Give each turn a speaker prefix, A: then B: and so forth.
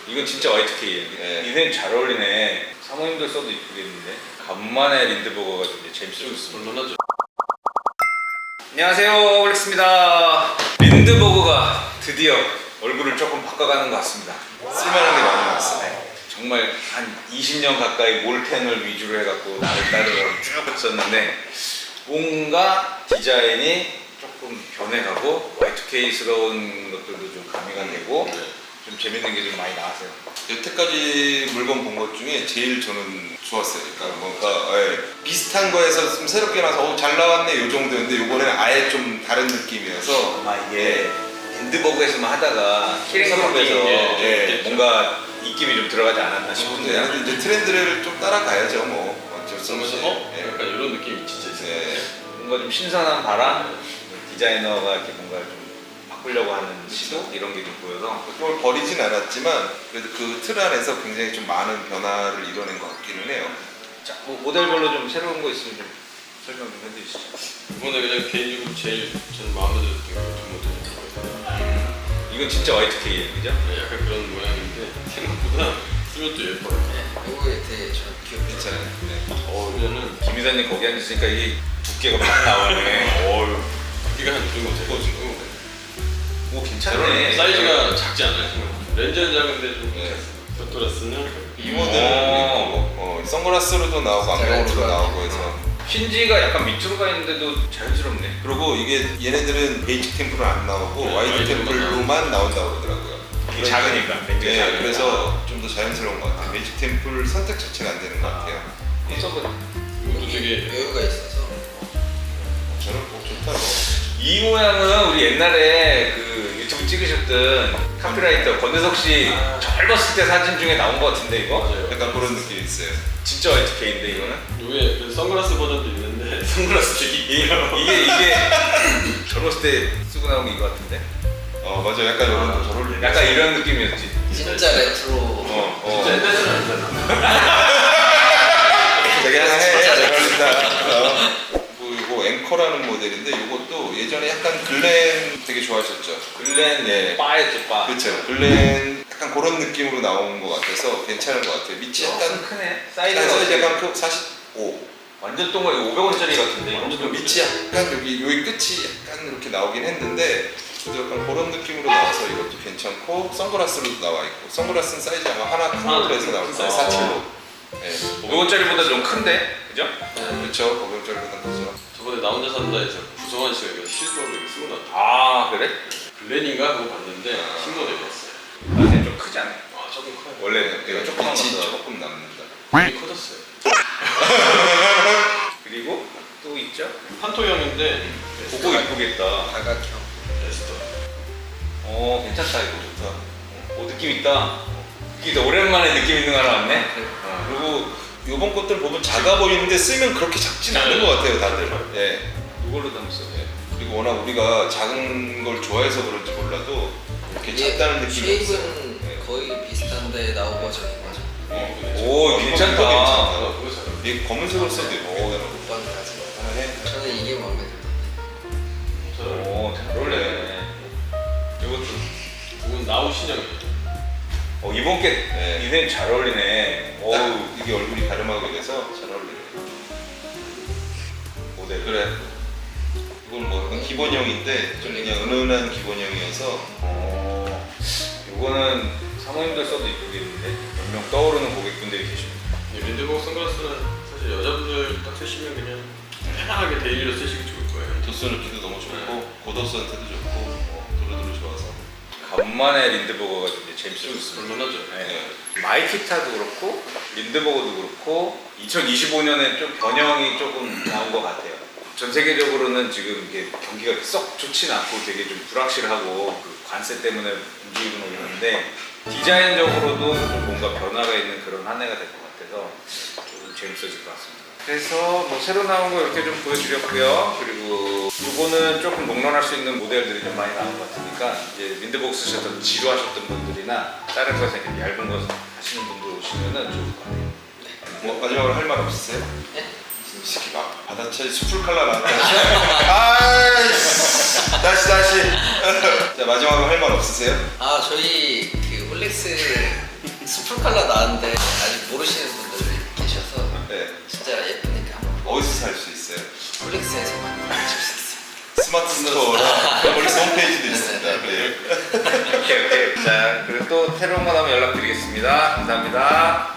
A: 이건 진짜 Y2K예요.
B: 네.
A: 디자인 잘 어울리네. 사모님들 써도 이쁘겠는데. 간만에 린드버거가 좀 재밌어졌습니다.
C: 물론하죠.
A: 안녕하세요, 올렉스입니다. 린드버거가 드디어 얼굴을 조금 바꿔가는 것 같습니다.
B: 쓸만한 게 많이 나왔어.
A: 정말 한 20년 가까이 몰텐을 위주로 해갖고 나를 따르고 쭉 했었는데 뭔가 디자인이 조금 변해가고 Y2K스러운 것들도 좀 가미가 되고 좀 재밌는 게 좀 많이 나왔어요.
B: 여태까지 물건 본 것 중에 제일 저는 좋았어요. 그러니까 뭔가 비슷한 거에서 좀 새롭게 나와서 잘 나왔네 요 정도였는데 요번에는 아예 좀 다른 느낌이어서
A: 아마 이게 린드버거에서만 하다가 키링컵에서
B: 예.
A: 뭔가 입김이 좀 들어가지 않았나 싶은데
B: 근데 이제 트렌드를 좀 따라가야죠. 뭐 어쩔 수 없이.
C: 약간 이런 느낌이 진짜 있어요.
B: 네.
A: 뭔가 좀 신선한 바람, 디자이너가 이렇게 뭔가 좀 바꾸려고 하는 시도 이런 게 좀 보여서
B: 그걸 버리진 않았지만 그래도 그 틀 안에서 굉장히 좀 많은 변화를 이뤄낸 것 같기는 해요.
A: 자, 뭐 모델별로 좀 새로운 거 있으면 좀 설명 좀 해주시죠.
C: 이번에 그냥 개인적으로 제일 전 마음에 들었던 게두 모델이에요.
A: 이건 진짜 Y2K예요, 그죠?
C: 네, 약간 그런 모양인데 생각보다 쓰면 또 예뻐요.
D: 이거에 대해 전 기억이
B: 괜찮아요. 네.
C: 그러면은
A: 김 이사님 거기 앉으시니까 이게 두께가 막 나오네. 어휴.
C: 크기가 한 이 정도 되거든요.
A: 오, 괜찮네.
C: 사이즈가 작지 않아요. 생각보다. 렌즈는 작은데 좀
B: 네.
C: 겉돌았으면
B: 이 모델은 선글라스로도 나오고 안경으로도 나오고 해서
A: 힌지가 약간 밑으로 가 있는데도 자연스럽네.
B: 그리고 이게 얘네들은 베이직 템플은 안 나오고
C: 네,
B: 와이드
C: 와이드
B: 템플로만 나온다고 그러더라고요.
A: 이게 작으니까, 렌즈가
B: 네,
A: 작으니까.
B: 그래서 좀 더 자연스러운 것 같아요. 베이직 템플 선택 자체가 안 되는 것 같아요.
A: 한번 써보자.
C: 이것도 되게
D: 여유가 있어서
B: 저는 좋다고.
A: 이 모양은 우리 옛날에 그 유튜브 찍으셨던 카피라이터 권대석 씨 젊었을 때 사진 중에 나온 것 같은데 이거?
C: 맞아요.
B: 약간 그런 느낌이 있어요.
A: 진짜 Y2K인데 이거는?
C: 위에 그 선글라스 버전도 있는데 선글라스 되게
A: 이게 젊었을 때 쓰고 나온 게 이거 같은데?
B: 맞아, 약간 이런 거 저를
A: 약간 이런 느낌이었지.
D: 진짜 레트로.
C: 진짜 옛날에는 아니잖아.
B: 되게 잘 어울린다. 이거 앵커라는 모델인데 이것도 예전에 약간 글렌 되게 좋아하셨죠?
A: 글렌
B: 네.
A: 바였죠, 바.
B: 그렇죠. 글렌 약간 그런 느낌으로 나온 것 같아서 괜찮은 것 같아요. 밑이 약간
A: 크네.
B: 사이즈
A: 사이즈가
B: 약간 45.
A: 완전 동그랗게 500원짜리 같은데.
C: 완전
B: 밑이 약간 여기 끝이 약간 이렇게 나오긴 했는데 그래도 약간 그런 느낌으로 나와서 이것도 괜찮고 선글라스로도 나와 있고 선글라스는 사이즈 아마 하나 큰 걸로 해서 나올 거예요. 47로. 네.
A: 500원짜리보다 좀 큰데? 그죠?
B: 그렇죠. 고병절보다 크죠.
C: 저번에 나 혼자 산다에서 구성환 씨가 이거 실버로 이렇게 쓰고 나왔다.
A: 아, 그래?
C: 글렌인가 그거 봤는데 신모델이었어요.
A: 아, 근데 좀 크지 않아요?
C: 아 조금 커요.
A: 원래 내가 조그만
B: 빛이
A: 거서.
B: 조금 남는다.
C: 되게 커졌어요.
A: 그리고 또 있죠?
C: 판토형인데
A: 그거 이쁘겠다.
D: 다각형.
C: 에스터.
A: 괜찮다 이거 좋다. 느낌 있다. 이게 오랜만에 느낌 있는 거 하나 왔네.
B: 그리고 요번 것들 보면 작아 보이는데 쓰면 그렇게 작진 않은 것 같아요, 다들. 예.
A: 이걸로 담았어.
B: 그리고 워낙 우리가 작은 걸 좋아해서 그런지 몰라도 이렇게 작다는 느낌이 없어요.
D: 쉐입은 거의 비슷한데 나오 버전인 거죠.
A: 오, 괜찮다.
C: 그거 잘 어울려.
B: 이게 검은색으로 써도 예쁘겠다.
D: 오빠까지.
B: 하나 해.
D: 저는 이게 마음에 들어요.
C: 잘 어울려.
A: 오, 잘 어울리네. 이것도.
C: 그건 나우 신형이에요.
A: 이번 게
B: 네.
A: 이젠 잘 어울리네.
B: 딱 이게 얼굴이 가름하게 돼서 잘 어울리네.
A: 모델.
B: 그래. 이건 뭐 약간 기본형인데 좀 그냥 은은한 기본형이어서
A: 이거는 사모님들 써도 이쁘겠는데 몇 명 떠오르는 고객분들이 계십니다.
C: 린드버거 선글라스는 사실 여자분들 딱 쓰시면 그냥 편하게 데일리로 쓰시기 좋을 거예요.
B: 도수 넣기도 너무 좋고 고도수한테도 좋고 두루두루 좋아서.
A: 간만에 린드버거가 좀 이제 재밌어졌습니다.
C: 물론하죠.
A: 네. 마이키타도 그렇고 린드버거도 그렇고 2025년에 좀 변형이 조금 나온 것 같아요. 전 세계적으로는 지금 이게 경기가 썩 좋지는 않고 되게 좀 불확실하고 그 관세 때문에 움직이고 있는데 디자인적으로도 좀 뭔가 변화가 있는 그런 한 해가 될 것 같아서 조금 재밌어질 것 같습니다. 그래서 뭐 새로 나온 거 이렇게 좀 보여드렸고요. 그리고 이거는 조금 롱런할 수 있는 모델들이 좀 많이 나온 것 같으니까 이제 린드버거 쓰셨던 지루하셨던 분들이나 다른 거에서 이렇게 얇은 거 하시는 분들 오시면은 좋을 것 같아요.
B: 뭐 마지막으로 할 말 없으세요?
D: 네?
B: 이 새끼 막 바다차에 수풀 칼라 나왔다. 아이씨. 다시. 자 마지막으로 할 말 없으세요?
D: 저희 그 홀렉스 스풀 컬러 나왔는데 아직 모르시는 분들이 계셔서
B: 네.
D: 진짜 예쁘니까 한번
B: 어디서 살 수 있어요?
D: 폴릭스에서만 보실 수 있어요.
B: 스마트 스토어랑 폴릭스 홈페이지도 있습니다. 네.
A: 오케이. 자, 그리고 또 새로운 거 나오면 연락드리겠습니다. 감사합니다.